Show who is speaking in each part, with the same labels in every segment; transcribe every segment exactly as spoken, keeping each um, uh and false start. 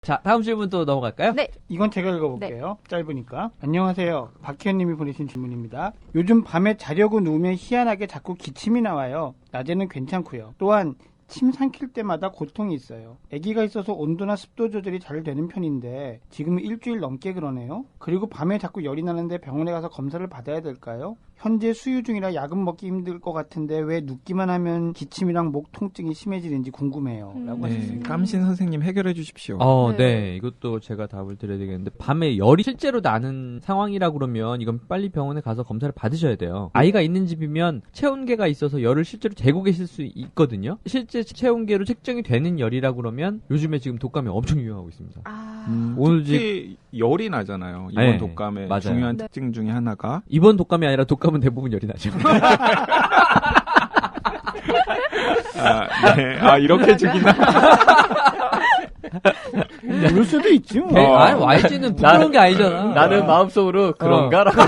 Speaker 1: 자, 다음 질문 또 넘어갈까요?
Speaker 2: 네.
Speaker 3: 이건 제가 읽어볼게요. 네. 짧으니까. 안녕하세요. 박희연님이 보내신 질문입니다. 요즘 밤에 자려고 누우면 희한하게 자꾸 기침이 나와요. 낮에는 괜찮고요. 또한 침 삼킬 때마다 고통이 있어요. 아기가 있어서 온도나 습도 조절이 잘 되는 편인데 지금 일주일 넘게 그러네요. 그리고 밤에 자꾸 열이 나는데 병원에 가서 검사를 받아야 될까요? 현재 수유 중이라 약은 먹기 힘들 것 같은데 왜 눕기만 하면 기침이랑 목 통증이 심해지는지 궁금해요.
Speaker 2: 음.
Speaker 3: 라고
Speaker 4: 네,
Speaker 3: 하셨습니다.
Speaker 4: 깜신 선생님 해결해 주십시오.
Speaker 1: 어, 네.
Speaker 2: 네.
Speaker 1: 이것도 제가 답을 드려야 되겠는데, 밤에 열이 실제로 나는 상황이라 그러면 이건 빨리 병원에 가서 검사를 받으셔야 돼요. 아이가 있는 집이면 체온계가 있어서 열을 실제로 재고 계실 수 있거든요. 실제 체온계로 측정이 되는 열이라 그러면 요즘에 지금 독감이 엄청 유행하고 있습니다.
Speaker 2: 아.
Speaker 4: 음,
Speaker 1: 오늘
Speaker 4: 특히 열이 나잖아요. 이번
Speaker 1: 네,
Speaker 4: 독감의
Speaker 1: 맞아요.
Speaker 4: 중요한
Speaker 2: 네.
Speaker 4: 특징 중에 하나가
Speaker 1: 이번 독감이 아니라 독감은 대부분 열이 나죠.
Speaker 4: 아, 네. 아 이렇게 죽이나?
Speaker 3: 모를 수도 있지 뭐.
Speaker 1: 네, 아니, 와이지는 부끄러운 게 아니잖아.
Speaker 5: 나는 마음속으로 그런가라고.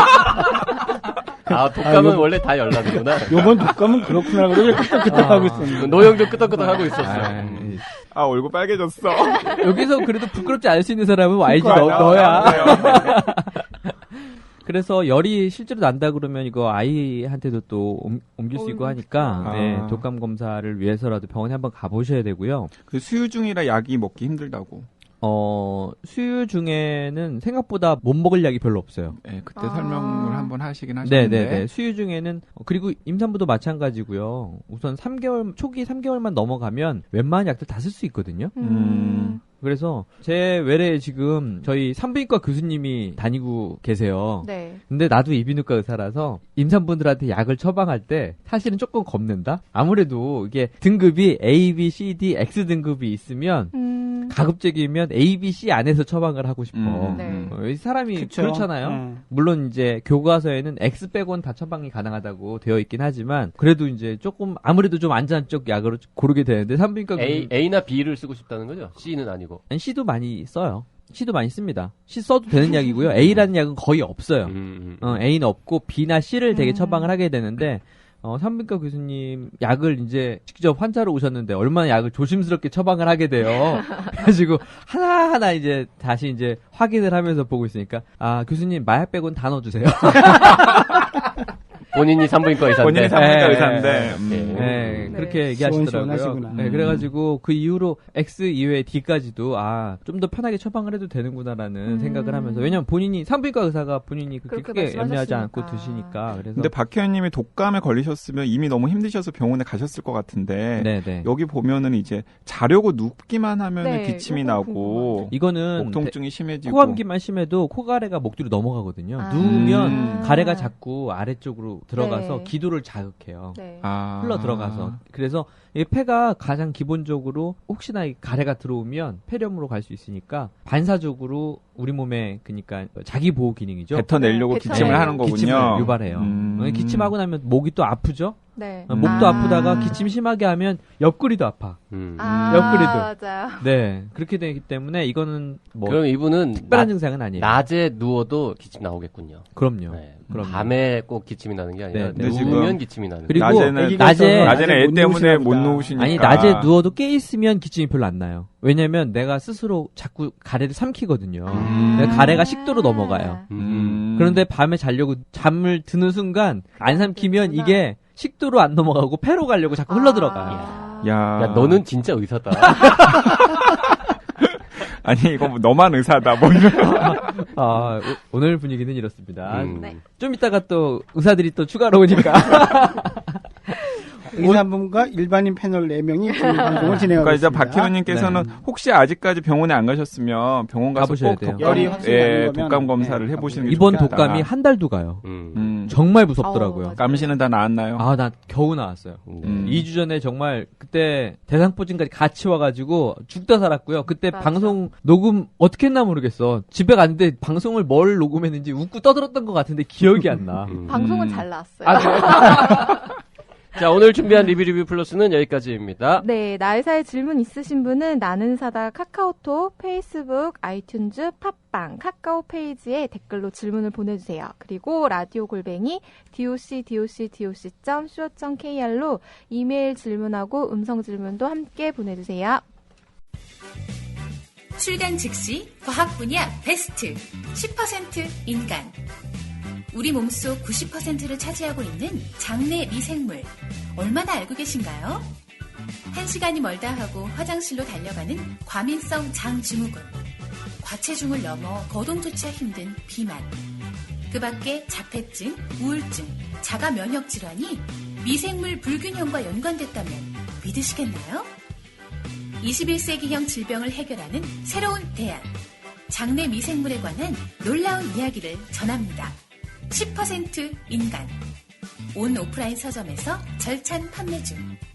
Speaker 5: 아, 독감은
Speaker 3: 아, 요-
Speaker 5: 원래 다 열나는구나.
Speaker 3: 요번 독감은 그렇구나. 그러고 끄떡끄떡
Speaker 1: 아.
Speaker 3: 하고 있었는데.
Speaker 5: 노영도 끄덕끄덕 하고 있었어.
Speaker 1: 아,
Speaker 4: 아 얼굴 빨개졌어.
Speaker 1: 여기서 그래도 부끄럽지 않을 수 있는 사람은 와이지 너,
Speaker 4: 그러니까,
Speaker 1: 너야.
Speaker 4: 네.
Speaker 1: 그래서 열이 실제로 난다 그러면 이거 아이한테도 또 옮, 옮길 수 있고 하니까
Speaker 4: 아.
Speaker 1: 네, 독감 검사를 위해서라도 병원에 한번 가보셔야 되고요.
Speaker 4: 그 수유 중이라 약이 먹기 힘들다고.
Speaker 1: 어, 수유 중에는 생각보다 못 먹을 약이 별로 없어요.
Speaker 4: 네, 그때
Speaker 2: 아.
Speaker 4: 설명을 한번 하시긴 하셨는데.
Speaker 1: 네네네. 수유 중에는, 어, 그리고 임산부도 마찬가지고요. 우선 삼 개월, 초기 삼 개월만 넘어가면 웬만한 약들 다 쓸 수 있거든요.
Speaker 4: 음.
Speaker 1: 그래서 제 외래에 지금 저희 산부인과 교수님이 다니고 계세요.
Speaker 2: 네.
Speaker 1: 근데 나도 이비인후과 의사라서 임산부들한테 약을 처방할 때 사실은 조금 겁낸다? 아무래도 이게 등급이 A, B, C, D, X 등급이 있으면
Speaker 2: 음.
Speaker 1: 가급적이면 A, B, C 안에서 처방을 하고 싶어.
Speaker 4: 음,
Speaker 2: 네.
Speaker 4: 음.
Speaker 1: 어, 이 사람이
Speaker 3: 그쵸?
Speaker 1: 그렇잖아요.
Speaker 3: 네.
Speaker 1: 물론 이제 교과서에는 X 빼고는 다 처방이 가능하다고 되어 있긴 하지만 그래도 이제 조금 아무래도 좀 안전한 쪽 약으로 고르게 되는데 산부인과
Speaker 5: A, A나 B를 쓰고 싶다는 거죠? C는 아니고.
Speaker 1: 아니, C도 많이 써요. C도 많이 씁니다. C 써도 되는 약이고요. A라는 약은 거의 없어요.
Speaker 5: 음, 음.
Speaker 1: 어, A는 없고 B나 C를 되게
Speaker 2: 음.
Speaker 1: 처방을 하게 되는데 어, 산부인과 교수님 약을 이제 직접 환자로 오셨는데 얼마나 약을 조심스럽게 처방을 하게 돼요. 그래가지고 하나하나 이제 다시 이제 확인을 하면서 보고 있으니까 아 교수님 마약 빼고는 다 넣어주세요.
Speaker 5: 본인이 산부인과 의사인데.
Speaker 4: 본인이 산부인과
Speaker 1: 네.
Speaker 4: 의사인데. 음.
Speaker 5: 네.
Speaker 1: 네,
Speaker 2: 네.
Speaker 1: 그렇게 얘기하시더라고요.
Speaker 3: 시원시원하시구나.
Speaker 1: 네, 그래가지고 그 이후로 X 이외에 D까지도 아, 좀 더 편하게 처방을 해도 되는구나라는
Speaker 2: 음.
Speaker 1: 생각을 하면서 왜냐면 본인이 산부인과 의사가 본인이 그렇게
Speaker 2: 그렇게
Speaker 1: 크게 염려하지
Speaker 2: 말씀하셨으니까.
Speaker 1: 않고 드시니까 그래서
Speaker 4: 근데 박혜연님이 독감에 걸리셨으면 이미 너무 힘드셔서 병원에 가셨을 것 같은데
Speaker 1: 네네.
Speaker 4: 여기 보면은 이제 자려고 눕기만 하면은
Speaker 2: 네,
Speaker 4: 기침이
Speaker 2: 요거
Speaker 4: 나고
Speaker 2: 궁금하네.
Speaker 1: 이거는
Speaker 4: 목 통증이 심해지고
Speaker 1: 코감기만 심해도 코가래가 목 뒤로 넘어가거든요.
Speaker 2: 아.
Speaker 1: 누우면
Speaker 4: 음.
Speaker 1: 가래가 자꾸 아래쪽으로 들어가서
Speaker 2: 네.
Speaker 1: 기도를 자극해요.
Speaker 2: 네.
Speaker 4: 아.
Speaker 1: 흘러 들어가서. 그래서 이 폐가 가장 기본적으로 혹시나 이 가래가 들어오면 폐렴으로 갈 수 있으니까 반사적으로 우리 몸에 그러니까 자기 보호 기능이죠.
Speaker 4: 뱉어내려고
Speaker 2: 네,
Speaker 4: 기침을
Speaker 2: 뱉어내고.
Speaker 4: 하는 거군요.
Speaker 1: 기침을 유발해요.
Speaker 4: 음.
Speaker 1: 기침하고 나면 목이 또 아프죠.
Speaker 2: 네.
Speaker 1: 어, 목도
Speaker 2: 아.
Speaker 1: 아프다가 기침 심하게 하면 옆구리도 아파.
Speaker 5: 음.
Speaker 2: 아,
Speaker 1: 옆구리도.
Speaker 2: 맞아요.
Speaker 1: 네, 그렇게 되기 때문에 이거는 뭐
Speaker 5: 그럼 이분은
Speaker 1: 특별한
Speaker 5: 나,
Speaker 1: 증상은 아니에요.
Speaker 5: 낮에 누워도 기침 나오겠군요.
Speaker 1: 그럼요.
Speaker 5: 네.
Speaker 1: 그럼요.
Speaker 5: 밤에 꼭 기침이 나는 게 아니라
Speaker 1: 네,
Speaker 4: 근데
Speaker 5: 누우면
Speaker 4: 지금
Speaker 5: 기침이 나는
Speaker 1: 그리고
Speaker 5: 거예요.
Speaker 4: 낮에는
Speaker 3: 아기가
Speaker 1: 낮에-
Speaker 3: 있어서
Speaker 4: 낮에는 애
Speaker 3: 못
Speaker 4: 때문에 못
Speaker 3: 누우시나 보다.
Speaker 4: 누우시니까.
Speaker 1: 아니 낮에 누워도 깨 있으면 기침이 별로 안 나요. 왜냐면 내가 스스로 자꾸 가래를 삼키거든요.
Speaker 4: 음.
Speaker 1: 내가 가래가 식도로 넘어가요.
Speaker 5: 음.
Speaker 1: 그런데 밤에 자려고 잠을 드는 순간 안 삼키면
Speaker 2: 그렇구나.
Speaker 1: 이게 식도로 안 넘어가고 폐로 가려고 자꾸 흘러 들어가요.
Speaker 2: 아.
Speaker 4: 야.
Speaker 5: 야, 너는 진짜 의사다.
Speaker 4: 아니 이거 뭐 너만 의사다 뭐 이런.
Speaker 1: 아, 오, 오늘 분위기는 이렇습니다.
Speaker 5: 음.
Speaker 2: 네.
Speaker 1: 좀 이따가 또 의사들이 또 추가로 오니까.
Speaker 3: 의사분과 일반인 패널 네 명이 지금 방송을 진행하고
Speaker 4: 그러니까 이제
Speaker 3: 있습니다.
Speaker 4: 박희원님께서는
Speaker 1: 네.
Speaker 4: 혹시 아직까지 병원에 안 가셨으면 병원 가서
Speaker 1: 가보셔야
Speaker 4: 꼭
Speaker 1: 돼요.
Speaker 4: 독감,
Speaker 3: 열이 확실히
Speaker 4: 예,
Speaker 3: 나는 거면,
Speaker 4: 독감 검사를
Speaker 3: 네,
Speaker 4: 해보시는 게
Speaker 1: 이번
Speaker 4: 좋겠다.
Speaker 1: 독감이 한 달도 가요.
Speaker 5: 음.
Speaker 4: 음.
Speaker 1: 정말
Speaker 2: 어우,
Speaker 1: 무섭더라고요.
Speaker 2: 맞아요.
Speaker 4: 감시는 다 나았나요?
Speaker 1: 아, 나 겨우 나왔어요.
Speaker 5: 음.
Speaker 1: 이 주 전에 정말 그때 대상포진까지 같이 와가지고 죽다 살았고요. 그때
Speaker 2: 맞아.
Speaker 1: 방송 녹음 어떻게 했나 모르겠어. 집에 갔는데 방송을 뭘 녹음했는지 웃고 떠들었던 것 같은데 기억이 안 나.
Speaker 5: 음.
Speaker 2: 방송은
Speaker 4: 음.
Speaker 2: 잘 나왔어요.
Speaker 1: 아, 그래요?
Speaker 5: 자, 오늘 준비한 리뷰 리뷰 플러스는 여기까지입니다.
Speaker 2: 네, 나의사의 질문 있으신 분은 나는 사다 카카오톡, 페이스북, 아이튠즈, 팟빵, 카카오 페이지에 댓글로 질문을 보내주세요. 그리고 라디오 골뱅이 docdocdoc.co.kr로 이메일 질문하고 음성 질문도 함께 보내주세요.
Speaker 6: 출간 즉시 과학 분야 베스트 십 퍼센트 인간. 우리 몸속 구십 퍼센트를 차지하고 있는 장내 미생물. 얼마나 알고 계신가요? 한 시간이 멀다 하고 화장실로 달려가는 과민성 장증후군. 과체중을 넘어 거동조차 힘든 비만. 그 밖에 자폐증, 우울증, 자가 면역 질환이 미생물 불균형과 연관됐다면 믿으시겠나요? 이십일 세기형 질병을 해결하는 새로운 대안. 장내 미생물에 관한 놀라운 이야기를 전합니다. 십 퍼센트 인간. 온 오프라인 서점에서 절찬 판매 중.